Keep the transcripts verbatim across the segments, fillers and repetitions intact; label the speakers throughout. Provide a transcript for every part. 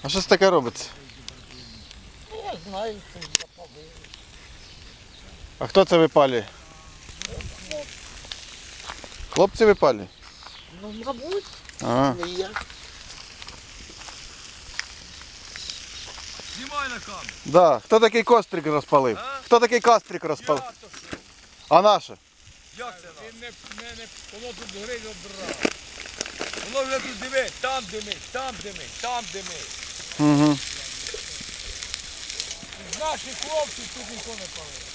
Speaker 1: А що це таке робиться?
Speaker 2: Я знаю, що запалили.
Speaker 1: А хто це випалює? Хлопці випалюють?
Speaker 2: Ну, мабуть,
Speaker 1: Ага.
Speaker 2: не я.
Speaker 3: Знімай на камеру.
Speaker 1: Да. Хто такий кострик розпалив?
Speaker 3: А?
Speaker 1: Хто такий кострик розпалив?
Speaker 3: Я то що?
Speaker 1: А наше?
Speaker 3: Як це нам? Не, не, не, воно тут гриль обрав. Воно вже тут диви, там димить, там димить, там димить.
Speaker 1: Угу.
Speaker 3: З наших хлопців тут ніхто не палив.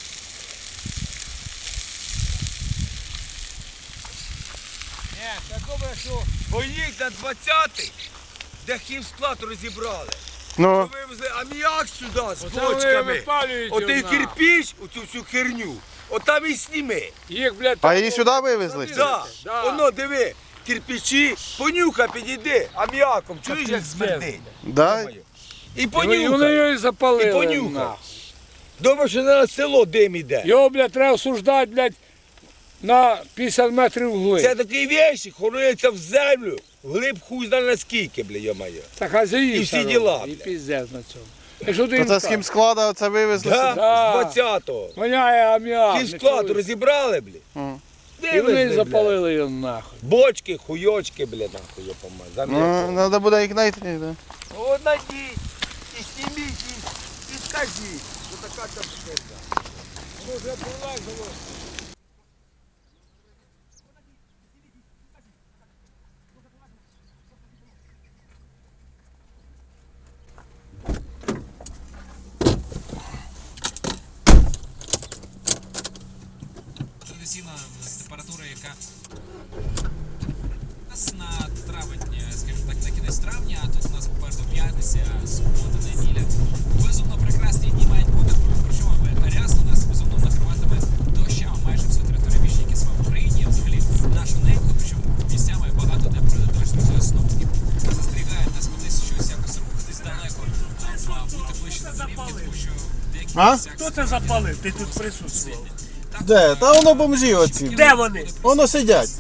Speaker 3: Ні, це добре, що поїдь на двадцятий, де хімсклад розібрали.
Speaker 1: Ну,
Speaker 3: Вивезли аміак сюди з
Speaker 4: Оце вони
Speaker 3: бочками.
Speaker 4: випалюють
Speaker 3: Отий
Speaker 4: його, на.
Speaker 3: кирпіч, оцю всю херню, отам і сніми.
Speaker 4: Їх, блядь,
Speaker 1: а її сюди вивезли?
Speaker 3: Да.
Speaker 4: Да.
Speaker 3: Воно, диви, кирпичі, понюхай, підійди, аміаком, чуєш, як
Speaker 4: пиздець.
Speaker 3: смердить?
Speaker 1: Да?
Speaker 3: І
Speaker 4: І вони
Speaker 3: понюхай,
Speaker 4: його і запалили.
Speaker 3: і понюхай.
Speaker 4: нахуй.
Speaker 3: Думаю, що на село дим іде.
Speaker 4: Його, блядь, треба осуждати, блядь, на п'ятдесят метрів вглиб.
Speaker 3: Це такі вещі, хорується в землю, глиб хуй знає наскільки, бля, йо-моє.
Speaker 4: Та хазяїв
Speaker 3: І всі
Speaker 4: це
Speaker 3: діла,
Speaker 4: роблять, І
Speaker 3: блядь.
Speaker 4: піздець на цьому. І що ти
Speaker 1: То
Speaker 4: їм
Speaker 1: це з
Speaker 4: кажеш?
Speaker 1: хімсклада оце вивезли
Speaker 3: Да,
Speaker 1: сюди?
Speaker 4: Да.
Speaker 3: з двадцятого.
Speaker 4: Воняє аміак. не
Speaker 3: Хімсклад
Speaker 4: чуєш?
Speaker 3: розібрали, бля.
Speaker 1: Мгм.
Speaker 4: І вони
Speaker 3: Вивезли, бля.
Speaker 4: запалили його нахуй.
Speaker 3: Бочки, хуйочки, бля, нахуй, я помазав.
Speaker 1: Ну, треба буде їх знайти, да?
Speaker 3: От найдіть, і зніміть, і, і скажіть, що така там херня.
Speaker 4: Воно вже пролазило.
Speaker 5: Традиційна температура, яка у нас на травень, скажімо так, на кінець травня, а тут у нас попереду п'ятниця, субота, неділя. Безумно прекрасні дні мають бути, причому рясно нас безумно накриватиме дощами майже всю територію більшіки в Україні, взагалі нашу неньку, причому місцями багато де пройде дощ з синоптиків. Застерігають нас кудись щось якось рухатись далеко, а бути ближче до домівки, тому що в деяких
Speaker 1: А?
Speaker 5: місцях
Speaker 6: Хто це запалив? Ти тут присутствував.
Speaker 1: Де? Та воно бомжі оці.
Speaker 6: Де вони?
Speaker 1: Воно сидять.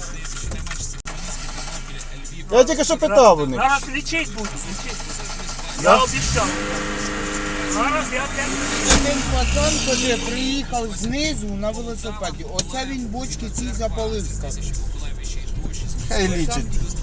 Speaker 1: Я тільки що питав у них.
Speaker 6: Зараз лічить будуть, лічить. Я обіцяв. Зараз я тебе...
Speaker 2: Один пацан, коли приїхав знизу на велосипеді, оце він бочки ці запалив. сказав.
Speaker 1: Хай лічить.